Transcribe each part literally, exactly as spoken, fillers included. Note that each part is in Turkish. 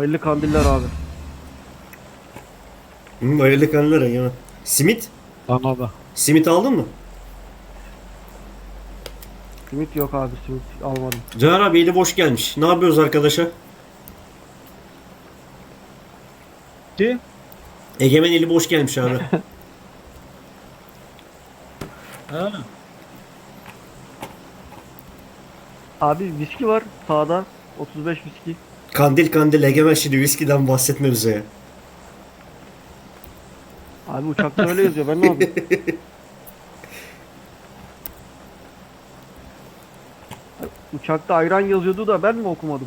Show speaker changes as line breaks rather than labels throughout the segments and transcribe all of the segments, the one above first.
Hayırlı kandiller abi.
Hı, hayırlı kanlar ya. Simit?
Bana da.
Simit aldın mı?
Simit yok abi, simit almadım.
Caner abi eli boş gelmiş. Ne yapıyoruz arkadaşa?
Ki
Egemen eli boş gelmiş abi.
ha,
Abi viski var sağda. otuz beş viski.
Kandil kandil Egemen şimdi viskiden bahsetme bize ya.
Abi uçakta öyle yazıyor, ben ne yapayım? Uçakta ayran yazıyordu da ben mi okumadım?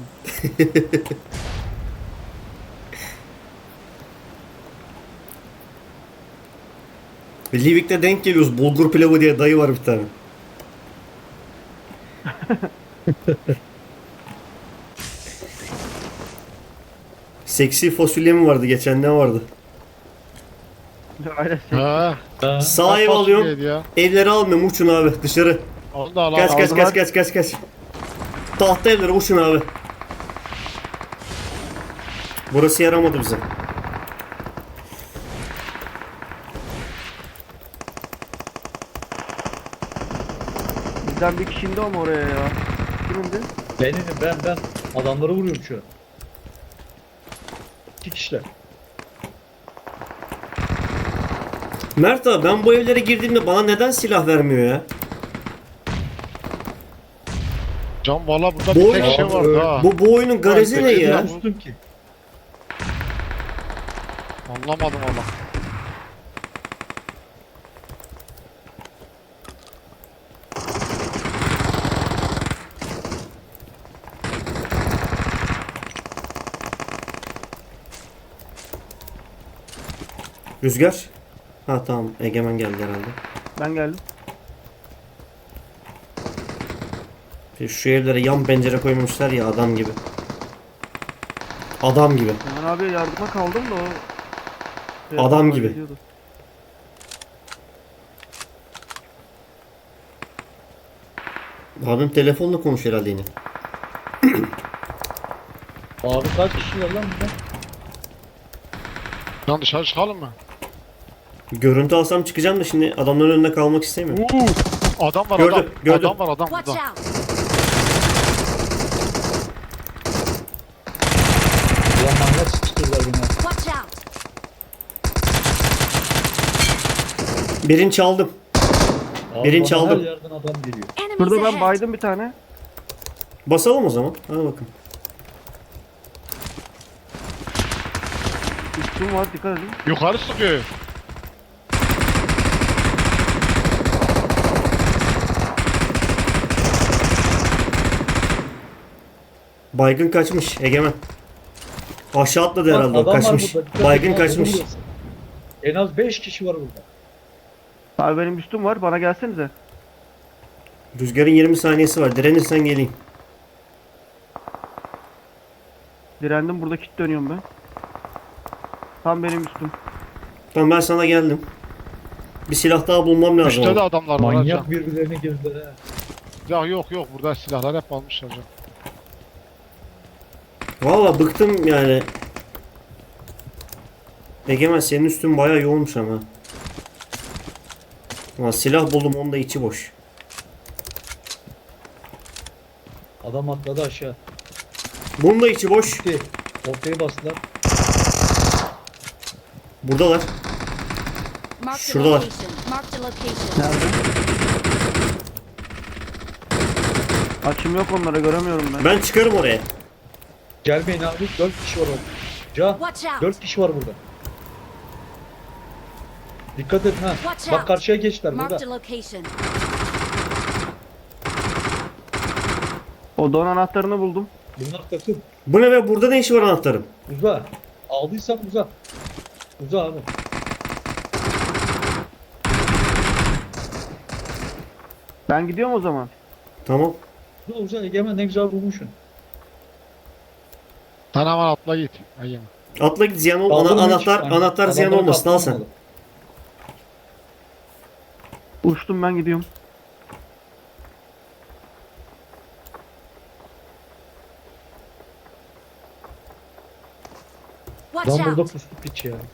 Livik'te denk geliyoruz. Bulgur pilavı diye dayı var bir tane. Seksi fasulye mi vardı? Geçen ne vardı?
Aynen şey.
Ha.
ha.
Sağ ev
Kaç
alıyorum.
fasulyeydi ya?
Evleri almıyorum. Uçun abi dışarı.
Onu da al
Kaç
al.
kaç
aldılar.
kaç kaç kaç kaç. Tahta evleri uçun abi. Burası yaramadı bize.
Bizden bir kişi indi ama oraya ya. Kim indi?
Benim ben ben adamları vuruyorum şu an. İki kişiler.
Mert abi ben bu evlere girdiğimde bana neden silah vermiyor ya?
Can valla burada
Bu
bir
oyun-
tek şey
Abi,
vardı
öyle-
ha.
Bu bu oyunun garezi ne
peki
ya?
ya.
Üstüm ki.
Anlamadım valla.
Rüzgar. Ha tamam Egemen geldi herhalde.
Ben geldim.
Şu evlere yan pencere koymuşlar ya adam gibi. Adam gibi.
Hemen abi yardıma kaldım da o... şey
Adam
yapamadan
gibi.
gidiyordu.
Abim telefonla konuş herhalde yine.
Abi kaç kişiler lan burada?
Can dışarı çıkalım mı?
Görüntü alsam çıkacağım da şimdi adamların önünde kalmak istemiyorum.
Uuu. Adam var
Gördüm,
adam.
gördüm.
Adam var adam
Watch
burada.
out!
Ulan manyak sıkıştırdılar beni. ha.
Watch out!
Birini çaldım.
Abi
Birini
bana
çaldım.
Her yerden adam geliyor.
Enemies
Şurada ben
ahead!
baydım bir tane.
Basalım o zaman. Hadi bakın.
Üstüm var, dikkat edin.
Yukarı sıkıyor.
Baygın kaçmış Egemen. Aşağı atladı
Bak,
herhalde o,
adam var
kaçmış.
burada. Dikkat
Baygın
edin, abi,
kaçmış.
vuruyorsun. En az beş kişi var burada.
Abi benim üstüm var, bana gelsenize.
Rüzgarın yirmi saniyesi var. Direnirsen geleyim.
Direndim, burada kit dönüyorum ben. Tam benim üstüm.
Tamam ben sana geldim. Bir silah daha bulmam lazım.
Üstte de
ama.
adamlar var ha
Manyak
Can.
birbirlerine girdiler ha.
Ya yok yok burada silahlar hep almışlar Can.
Valla bıktım yani. Egemen senin üstün bayağı yoğunmuş ama. Ama silah buldum onun da içi boş.
Adam atladı aşağı.
Bunun da içi boş.
Gitti. Ortaya bastılar.
Buradalar.
Mark the
Şuradalar.
location. Mark the location.
Nerede? Açım yok onlara, göremiyorum ben.
Ben çıkarım oraya.
Gelmeyin abi. Dört kişi var orada. Ca.
Watch out!
Dört kişi var burada. Dikkat et ha.
Watch
Bak
out.
karşıya geçtiler
Mark the
burada.
location.
O don anahtarını buldum.
Bunlar takım.
Bu ne be, burada ne işi var anahtarım?
Uza. Aldıysan uza. Uza abi.
Ben gidiyorum o zaman.
Tamam.
Uza uza. Egemen ne güzel bulmuşsun.
Sen hemen atla git. Ayım.
Atla git, ziyan ol. Ana,
Kaldırma hiç.
anahtar
Hani
anahtar ziyan
adamları
olmasın, al sen.
kaptırmadı.
Uçtum, ben gidiyorum.
Watch
Lan burada
out!
puslu piç ya.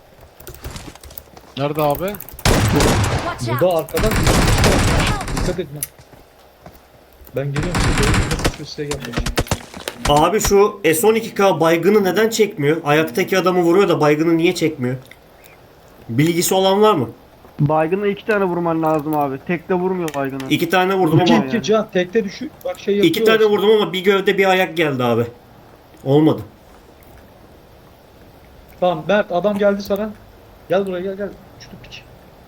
Nerede abi?
Watch out!
Burada arkadan
Help!
dikkat edin. ha. Ben geliyorum size doğru burada puslu size gelmiş.
Abi şu S on iki K baygını neden çekmiyor? Ayaktaki adamı vuruyor da baygını niye çekmiyor? Bilgisi olan var mı?
Baygınla iki tane vurman lazım abi. Tek de vurmuyor baygını.
İki tane vurdum
İki
ama
yani.
iki can tekte düşük. Bak şey yapıyor.
iki tane vurdum ama bir gövde bir ayak geldi abi. Olmadı.
Tamam Mert adam geldi sana. Gel buraya gel gel. Uçtu piç.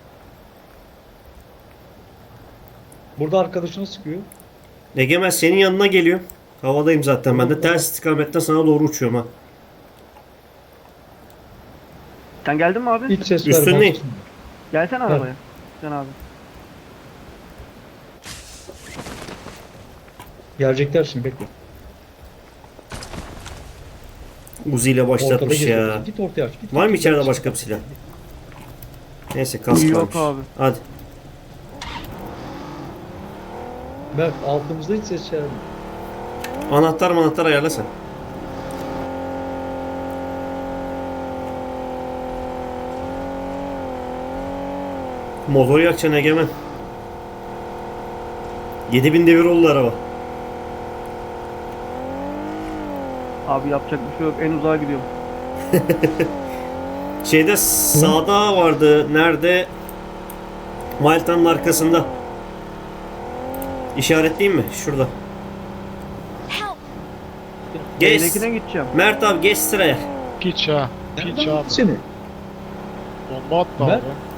Burada arkadaşını sıkıyor.
Egemen senin yanına geliyor. Havadayım zaten ben de. Ters istikametten sana doğru uçuyorum ha.
Sen geldin mi abi?
Hiç ses
Üstündeyim.
vermez.
Gelsene arabaya. Sen abi.
Gelecekler şimdi bekle.
Uzi ile
Ortada
başlatmış ya.
geziyorsun. Git ortaya aç. Git,
Var mı
git,
içeride
git.
başka bir silah? Neyse kask
Yok
varmış.
abi.
Hadi.
Mert altımızda hiç ses vermiyor.
Anahtar manahtar ayarla sen. Motor yakacaksın Egemen. yedi bin devir oldu araba.
Abi yapacak bir şey yok. En uzağa gidiyorum.
Şeyde sağda vardı. Nerede? Malta'nın arkasında. İşaretleyeyim mi? Şurada.
Help!
Geç.
Evdekine gideceğim.
Mert abi geç sıraya.
Piç ha. Piç
Nereden
abi.
aldın seni?
Bomba attı
Ben-
abi.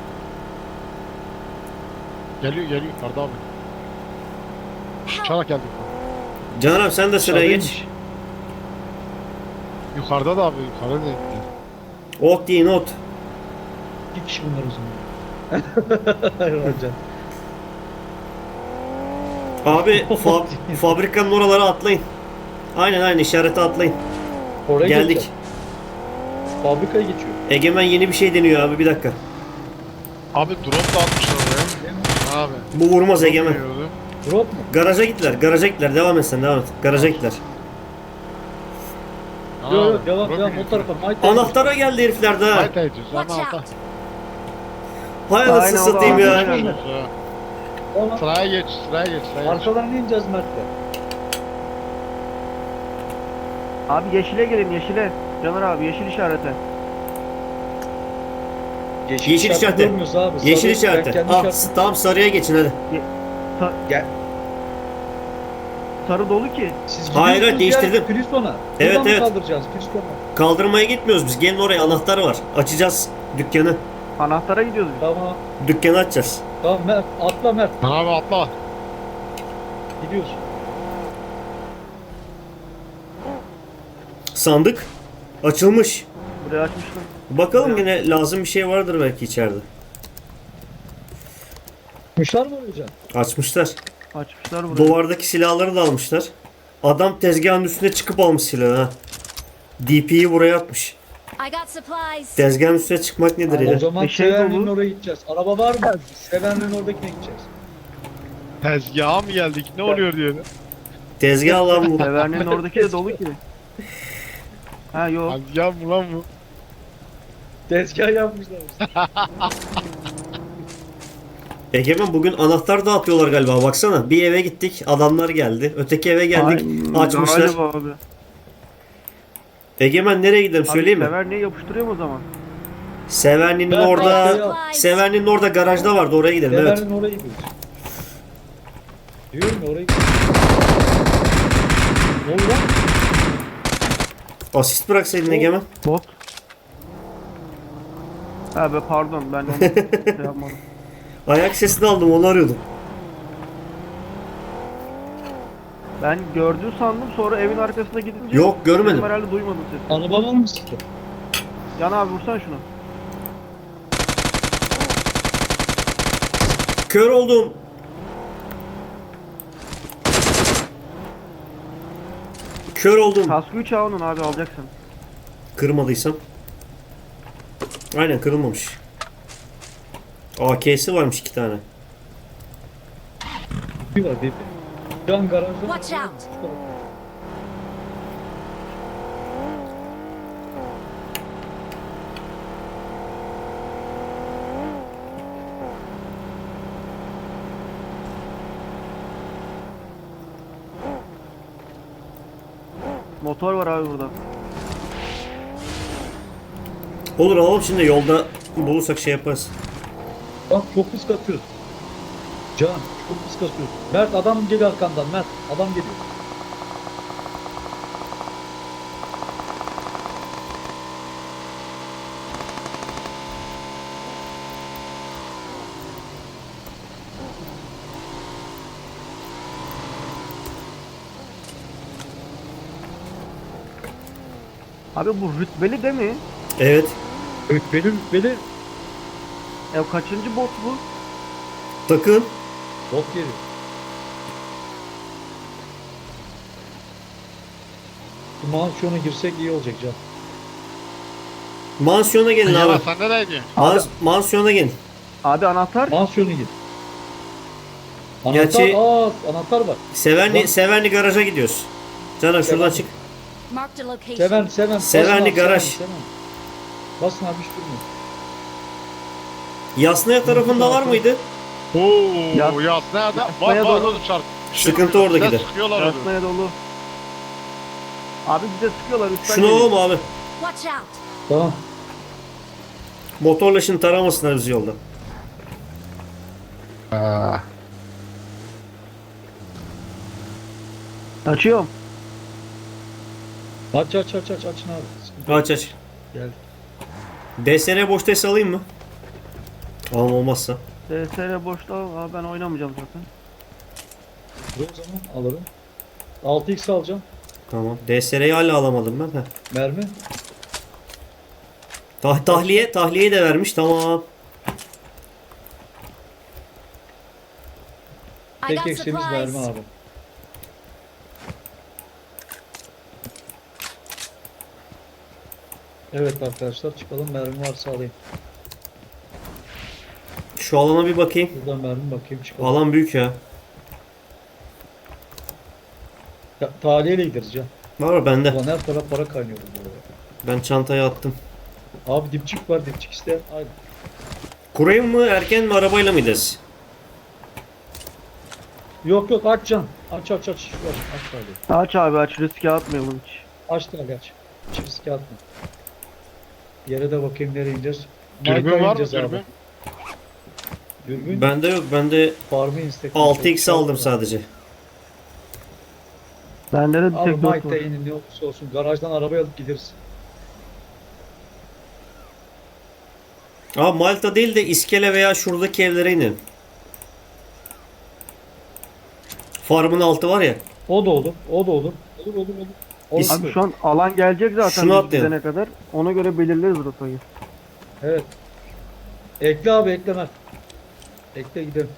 Geliyor geliyor yukarıda abi.
Help!
Uçarak geldi.
Caner abi sen de sıraya geç.
Aşağıdaymış.
Yukarıda da abi yukarıda da.
Ot deyin ot.
İki kişi bunlar o zaman. Racan.
Abi fa- fabrikanın oralara atlayın. Aynen aynen işarete atlayın.
Oraya
Geldik.
geleceğim. Fabrikaya geçiyor.
Egemen yeni bir şey deniyor abi bir dakika.
Abi drone da atmışlar oraya. Abi.
Bu vurmaz Egemen.
Bilmiyordu.
Drop mu?
Garaja gittiler, garaja gittiler. Devam et sen, devam et. Garaja gittiler.
Abi,
Yok yok devam
drone
devam o
biliyor.
tarafa. Might
Anahtara geldi herifler daha.
Haydi haydi.
Watch
Ama
out!
alta.
Hay
Aynen,
anasını
o da
satayım
alta
ya.
geldi.
Tamam.
Sıraya geç, sıraya geç, sıraya geç.
Arkalarına ineceğiz Mert'le.
Abi yeşile gelin yeşile. Caner abi yeşil işarete.
Yeşil işareti.
görmüyoruz abi.
Yeşil
Sarı-
işareti.
ben kendi
Ah,
işaret-
s- tamam sarıya geçin hadi.
Sarı dolu ki.
Siz
Hayır, hayır,
gidiyorsunuz
değiştirdim.
ya, Priston'a.
Evet,
Buradan mı
evet.
kaldıracağız Priston'a?
Kaldırmaya gitmiyoruz biz. Gelin oraya, anahtar var. Açacağız dükkanı.
Anahtara gidiyoruz biz.
Tamam.
Dükkanı açacağız.
Tamam Mert. Atla Mert.
Abi atla.
Gidiyoruz.
Sandık açılmış.
Buraya açmıştım.
Bakalım yine lazım bir şey vardır belki içeride.
Kuşlar mı hocam?
Açmışlar.
Açmışlar burayı.
Duvardaki silahları da almışlar. Adam tezgahın üstüne çıkıp almış silahı ha. D P'yi buraya atmış.
I got supplies!
Tezgahın üstüne çıkmak nedir
O
ya?
zaman
Bir şey
Sevenli'nin
dolu.
oraya gideceğiz. Araba var mı? Sevenli'nin oradakine gideceğiz.
Tezgaha mı geldik? Ne oluyor diye.
Tezgah lan bu.
Severnin oradaki de dolu ki. Ha yok.
Tezgah mı lan bu?
Tezgah yapmışlar.
Egemen bugün anahtar dağıtıyorlar galiba baksana. Bir eve gittik adamlar geldi. Öteki eve geldik
Ay,
açmışlar.
galiba abi.
Egemen nereye gidelim söyleyeyim
Abi
mi?
Sever niye yapıştırıyor o zaman?
Severni'nin
Ben
orada
arkaya-
Severni'nin orada garajda vardı oraya gidelim evet.
Sevenli'nin oraya gidiyoruz. Diyorum ya oraya gidiyoruz. Ne oldu lan?
Asist bıraksaydın Egemen.
Bot. Ha be pardon ben onu şey yapmadım.
Ayak sesini aldım onu arıyordum.
Ben gördüğü sandım sonra evin arkasına gidince
Yok, görmedim.
dedim herhalde duymadım sesi.
Araba var mı sıktı?
Can abi vursan şunu.
Kör oldum. Kör oldum.
Kaskı üç onun abi alacaksın.
Kırmadıysam. Aynen kırılmamış. A K'si varmış iki tane.
Bir var bir. Can garajda.
Watch out.
Motor var abi burada.
Olur alalım şimdi yolda bulursak şey yaparız.
Bak çok pis katıyoruz. Can çok pis katıyoruz. Mert adam geliyor arkandan. Mert adam geliyor.
Abi bu rütbeli değil mi?
Evet.
Rütbeli rütbeli
Ya kaçıncı bot bu?
Takım.
bot geliyor. Bu mansiyona girsek iyi olacak Can.
Mansiyona gelin
Ya
abi.
sen nereye gidiyorsun?
Mans mansiyona gelin.
Abi anahtar.
Mansiyona gir. Anahtar,
Gerçi-
aa anahtar var.
Severni,
Bak.
Severni garaja gidiyoruz. Caner şuradan
Severni.
çık.
Marked a location.
Seven, seven.
Sevenli
basın abi,
garaj.
Seven, seven. Basın abi hiç durmuyor.
Yasnaya tarafında var mıydı?
Oo,
Ya-
yas nerede? Var
Yasnaya
var
doğru.
oğlum çarp.
Sıkıntı orada
Bize
gider.
Sıkıyorlar onu.
Yasnaya dolu. Abi bize sıkıyorlar üstten
Şunu
geliyor.
alalım abi.
Watch out.
Tamam.
Motorla şimdi taramasınlar bizi yolda.
Aa,
Açıyorum.
Aç aç aç aç açın abi. Sıkıntı yok.
Aç aç.
Gel.
D S R boş test alayım mı? Alalım olmazsa.
D S R boşta. Abi ben oynamayacağım zaten.
Dur o zaman alırım. altı x alacağım.
Tamam. D S R'yi hala alamadım ben. Heh.
Mermi.
Tah tahliye, tahliyeyi de vermiş. Tamam.
I
Tek
got
eksiğimiz mermi
supplies.
abi. Evet arkadaşlar çıkalım, mermi varsa alayım.
Şu alana bir bakayım.
Buradan mermi bakayım çıkalım.
Alan büyük ya.
Ya, tahliyeyle gideriz ya.
Var mı bende?
Ulan her taraf para kaynıyor bu arada.
Ben çantaya attım.
Abi dipçik var, dipçik isteyen. Aynen.
Kurayım mı erken mi arabayla mı gideriz?
Yok yok aç can. Aç aç aç. Şu aç, aç tahliye.
Aç abi aç riske atmayalım hiç.
Aç tahliye aç. Hiç riske atma. Yere de bakayım nereye ineceğiz.
dürbün
Mayta'ya
var mı
ineceğiz abi.
dürbün?
Dürbün.
Bende yok. Bende
Farmı instek.
altı x aldım sadece.
Bende de bir
Abi
tek dört
Mayta'ya
var.
inin ne olursa olsun. Garajdan arabayı alıp gideriz.
Aa Malta değil de İskele veya şuradaki evlere inin. Farmın altı var ya.
O da olur. O da olur. Olur olur olur. Olur.
Biz-
Abi şu an alan gelecek zaten
Şunu
biz
atlayalım.
gidene kadar. Ona göre belirleriz rotayı.
Evet. Ekle abi ekle Mert. Ekle gidelim.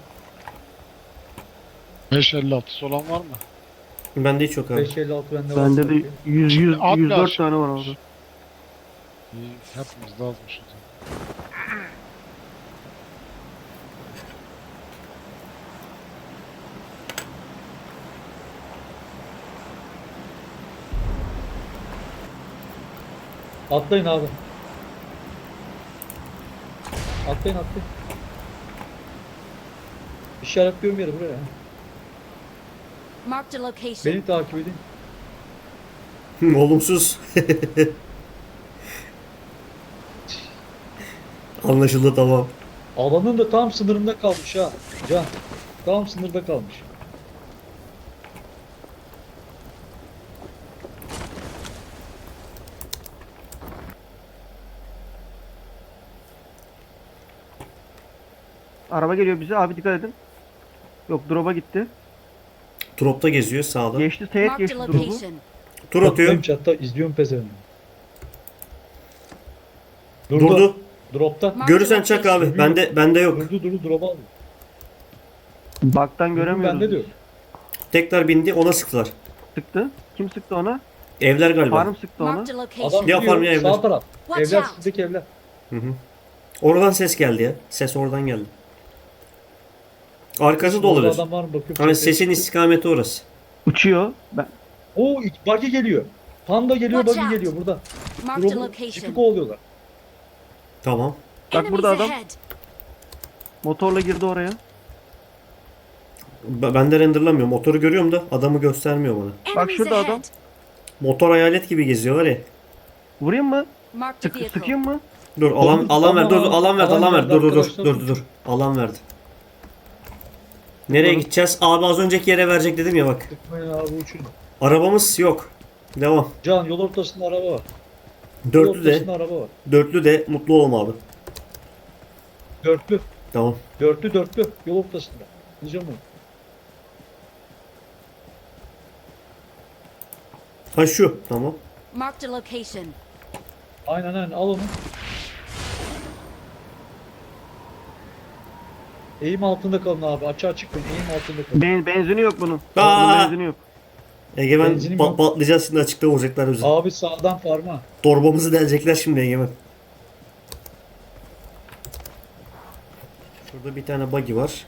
beş elli altısı olan var mı?
Bende hiç yok abi.
beş elli altı bende var.
Bende de yüz, yüz,
At
yüz dört
biraz.
tane var orada.
İyi, hepimiz de azmışız.
Atlayın abi. Atlayın atlayın. İşaretliyorum yeri buraya.
Marked a location.
Beni takip edin.
Olumsuz. Anlaşıldı tamam.
Alanın da tam sınırında kalmış ha. Can. Tam sınırda kalmış.
Araba geliyor bize. Abi dikkat edin. Yok drop'a gitti.
Drop'ta geziyor sağda.
Geçti teğet
Marked a
geçti drop'u.
location.
Tur atıyor.
Çattayım chatta izliyorum pezevenini. Durdu.
Durdu.
Dropta.
Marked a
Görürsen çak
location.
abi. Bende bende yok.
Durdu durdu drop'a aldı.
Baktan
Durdu
göremiyoruz.
bende diyor.
Tekrar bindi ona sıktılar.
Sıktı. Kim sıktı ona?
Evler galiba.
Farm sıktı ona.
Marked a
Adam
location.
Ya farm ya
gidiyor
evler.
sağ taraf.
Watch
Evler
out.
sizdeki evler.
Hı hı. Oradan ses geldi ya. Ses oradan geldi. Arkası da
Orada
olabilir.
adam var mı bakıyorum.
Hani
çatıya
sesin
çıktı.
istikameti orası.
Uçuyor. Ben
Oo ilk buggy geliyor. Panda geliyor
Watch
buggy
out.
geliyor burada.
Marked a
Drop'u
location.
çipi kovalıyorlar.
Tamam.
Bak
Enemies
burada adam.
ahead.
motorla girdi oraya.
B- Ben de renderlamıyorum. Motoru görüyorum da adamı göstermiyor bana.
Bak
Enemies
şurada adam.
ahead.
Motor hayalet gibi geziyor var ya.
Vurayım mı?
Marked a
Sık,
vehicle.
sıkayım mı?
Dur alan
Oğlum,
alan ver dur dur,
tamam,
alan verdi
alan
alan
verdi
verdi dur dur dur
arkadaşlar.
dur dur dur alan verdi. Nereye
Bakalım.
gideceğiz? Abi az önceki yere verecek dedim ya bak.
Tıkmayın abi uçun.
Arabamız yok. Devam.
Can yol ortasında araba var. Yol
Dörtlü de
ortasında araba var.
dörtlü de mutlu olma abi.
Dörtlü.
Tamam.
Dörtlü dörtlü. Yol ortasında. Diyeceğim onu.
Ha şu. Tamam.
Marked a location.
Aynen aynen al onu. Eğim altında kalın abi. Açığa çıkmayın. Eğim altında kalın.
Ben, benzini yok bunun.
Aa!
Bunun benzini yok.
Egemen
Benzinim
pa-
yok.
patlayacağız şimdi açıkta vuracaklar bizi.
Abi sağdan farma.
Torbamızı delecekler şimdi Egemen. Şurada bir tane buggy var.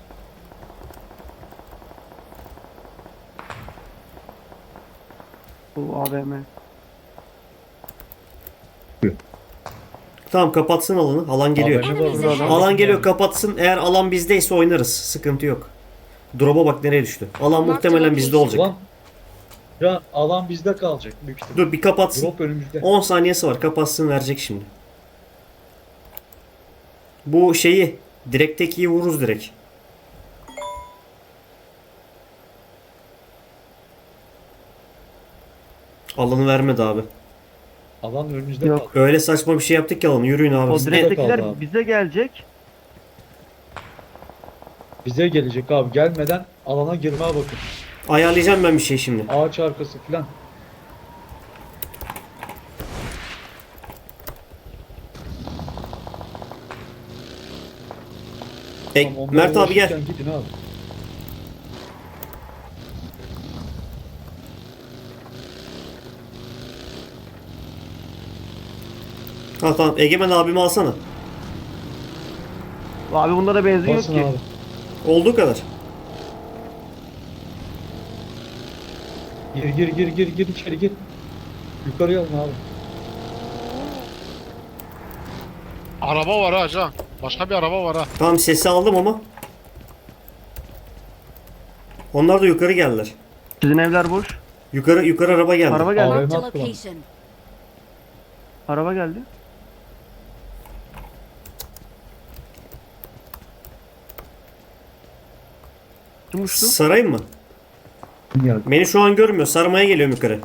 Bu A V M.
Tamam kapatsın alanı. Alan geliyor.
A V M var
Enemies
burada.
ahead.
Alan geliyor kapatsın. Eğer alan bizdeyse oynarız. Sıkıntı yok. Drop'a bak nereye düştü. Alan muhtemelen bizde olacak.
Ulan. Ya alan bizde kalacak büyük ihtimal.
Dur bir kapatsın.
Drop önümüzde.
on saniyesi var. Kapatsın verecek şimdi. Bu şeyi direktekiyi vururuz direkt. Alanı vermedi abi.
Alan önümüzde
Yok.
kaldı.
Öyle saçma bir şey yaptık ki alanı. Yürüyün abi.
O
Biz de-
direktekiler
kaldı abi.
bize gelecek.
Bize gelecek abi. Gelmeden alana girmeye bakın.
Ayarlayacağım ben bir şey şimdi.
Ağaç arkası filan.
E,
Tamam, onlara
Mert abi gel.
ulaşırken Gidin abi.
Ha tamam. Egemen abimi alsana.
Abi bunda da benzin yok
Basın
ki.
abi.
Olduğu kadar.
Gir gir gir gir gir içeri gir. Yukarıya alın abi.
Araba var ha Can. Başka bir araba var ha.
Tamam sesi aldım ama. Onlar da yukarı geldiler.
Sizin evler boş.
Yukarı yukarı araba geldi.
Araba geldi.
Abi.
Marked a
Marked one.
location.
Araba geldi. Kim uçtu?
Sarayım mı?
Geldi.
Beni şu an görmüyor. Sarmaya geliyorum yukarı.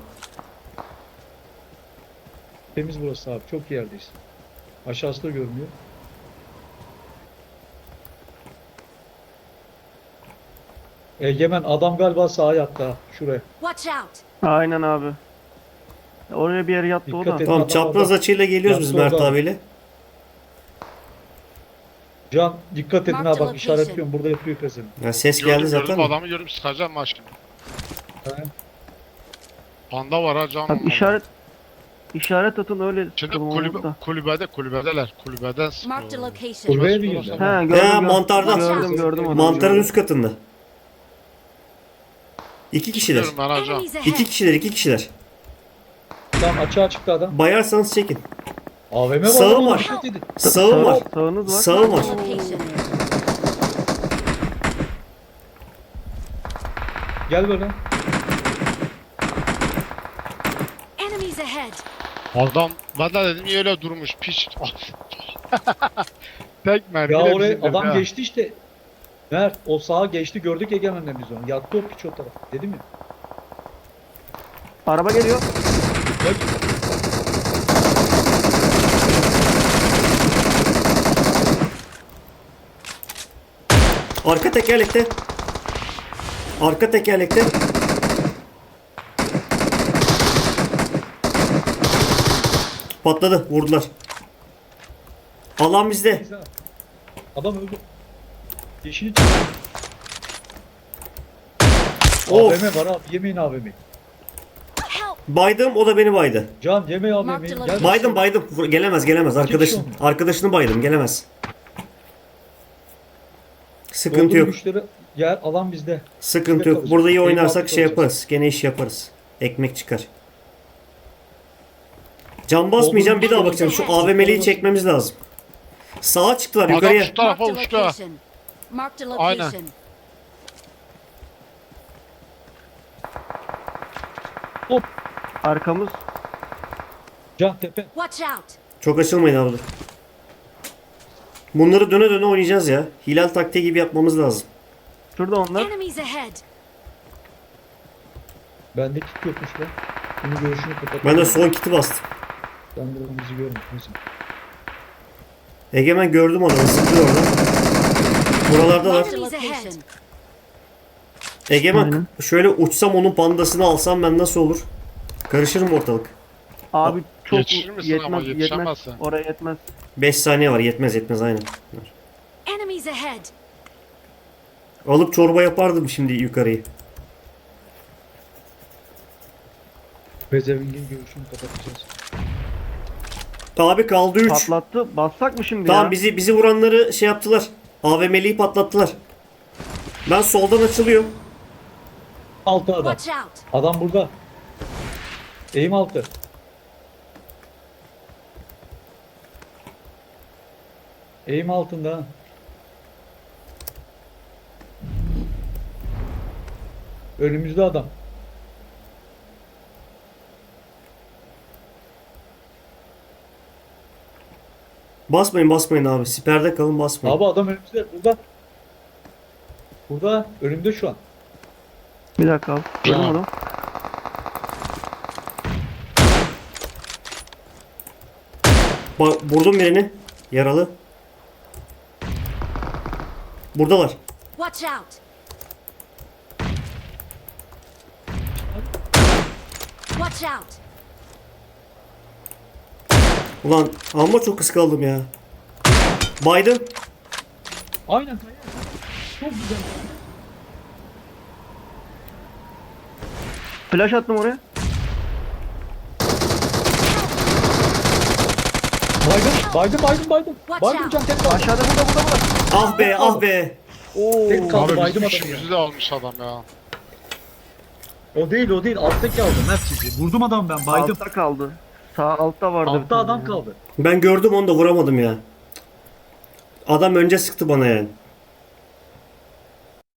Temiz burası abi. Çok iyi yerdeyiz. Aşağısı da görünüyor. Egemen adam galiba sağa yattı ha. Şuraya.
Watch out.
Aynen abi. Oraya bir yere yattı o
Dikkat
da.
et.
Tamam
Adam
çapraz
orada.
açıyla geliyoruz biz
Yaptı
Mert
orada.
abiyle.
Can dikkat edin
Marked
ha bak
location.
işaretliyorum. Burada yapıyor pezevenk.
Ya ses
Gördüm,
geldi
gördüm,
zaten.
adamı görüp sıkacağım ha şimdi.
He.
Panda var ha Can.
Bak işaret işaret atın öyle
Şimdi
sıkalım
kulübe,
olmadı da.
kulübede, kulübedeler. Kulübeden
Marked a
sıkıyorlar.
location.
Kulübeye mi girdi?
He gördüm. gördüm.
mantarda.
Gördüm gördüm onu.
Mantarın
gördüm.
üst katında. İki kişiler.
Diyorum ben ha Can.
Enemies
İki
ahead.
kişiler, iki kişiler.
Tam açığa çıktı adam.
Bayarsanız çekin.
A V M var.
Sağım
oğlum,
var.
dikkat edin.
Sağım var.
Sağınız var.
Sağım var.
Marked a location.
Gel böyle.
Enemies ahead.
Adam, ben de dedim niye öyle durmuş piç. Tek mermi.
Ya oraya adam geçti işte. Mert o sağa geçti gördük Egemen'le biz onu. Yattı o piç o taraf. Dedim ya.
Araba geliyor.
Bak.
Arka tekerlekte. Arka tekerlekte. Patladı. Vurdular. Alan bizde.
Neyse. Adam öldü. Yeşili çıktı.
Of.
A V M var abi. Yemeyin A V M'yi.
Help.
Baydım o da beni baydı.
Can yeme A V
Mark
M'yi.
the
Gel.
location.
Baydım baydım. Vur- Gelemez gelemez. Arkadaşın,
kişi
arkadaşını baydım. Gelemez. Sıkıntı
Doldur
yok.
güçleri. Gel alan bizde.
Sıkıntı
Bizde
yok.
kalacak.
Burada iyi
Keyif
oynarsak
aldık
şey
olacağız.
yaparız. Gene iş yaparız. Ekmek çıkar. Can basmayacağım. Bir daha bakacağım. Şu A V M'liyi çekmemiz lazım. Sağa çıktılar
Adam
yukarıya.
şu tarafa
Marked a
uçtu ha.
location. Marked a
Aynen.
location.
Arkamız.
Can tepe.
Watch out!
Çok açılmayın abi. Dur. Bunları döne döne oynayacağız ya. Hilal taktiği gibi yapmamız lazım.
Şurada onlar.
Enemies ahead!
Bende kit yokmuş lan. Bunu görüşünü kapat.
Ben de son kiti bastım.
Ben de bizi görmüyorum. Neyse.
Egemen gördüm adamı. Sıkıyor orada. Buralardalar.
Marked a location.
Egemen
Aynen.
şöyle uçsam onun pandasını alsam ben nasıl olur? Karışır mı ortalık?
Abi çok
Yetişir misin ama
yetmez, yetmez.
yetişemezsin.
Oraya yetmez.
beş saniye var. Yetmez yetmez aynen.
Enemies ahead!
Alıp çorba yapardım şimdi yukarıyı.
Bezevingin görüşünü kapatacağız.
Abi kaldı üç.
Patlattı. Bassak mı şimdi
Tamam
ya?
bizi bizi vuranları şey yaptılar. A V M'liyi patlattılar. Ben soldan açılıyorum.
Altı adam.
Watch out!
Adam burada. Eğim altı. Eğim altında. ha. Önümüzde adam.
Basmayın basmayın abi. Siperde kalın basmayın.
Abi adam önümüzde. Burada. Burada. Önümde şu an.
Bir dakika abi. Gördüm
Ya.
onu.
Bak vurdum birini. Yaralı. Buradalar.
Watch out! Watch out!
Ulan amma çok kıskandım ya. Baydım.
Aynen. Kaya. Çok güzel.
Flash attım oraya.
Baydım. Baydım baydım baydım.
Watch
Baydım
out.
can tek kaldı.
Aşağıda burada burada burada.
Ah be ah be.
Oo.
Tek kaldı
Abi
baydım
bizim
adamı ya.
işimizi de almış adam ya.
O değil o değil. Alttaki aldım. Mert sizi. Vurdum adam ben. Baydım.
Altta kaldı. Sağ altta vardı. bir
Altta
tane
adam
ya.
kaldı.
Ben gördüm onu da vuramadım ya. Adam önce sıktı bana yani.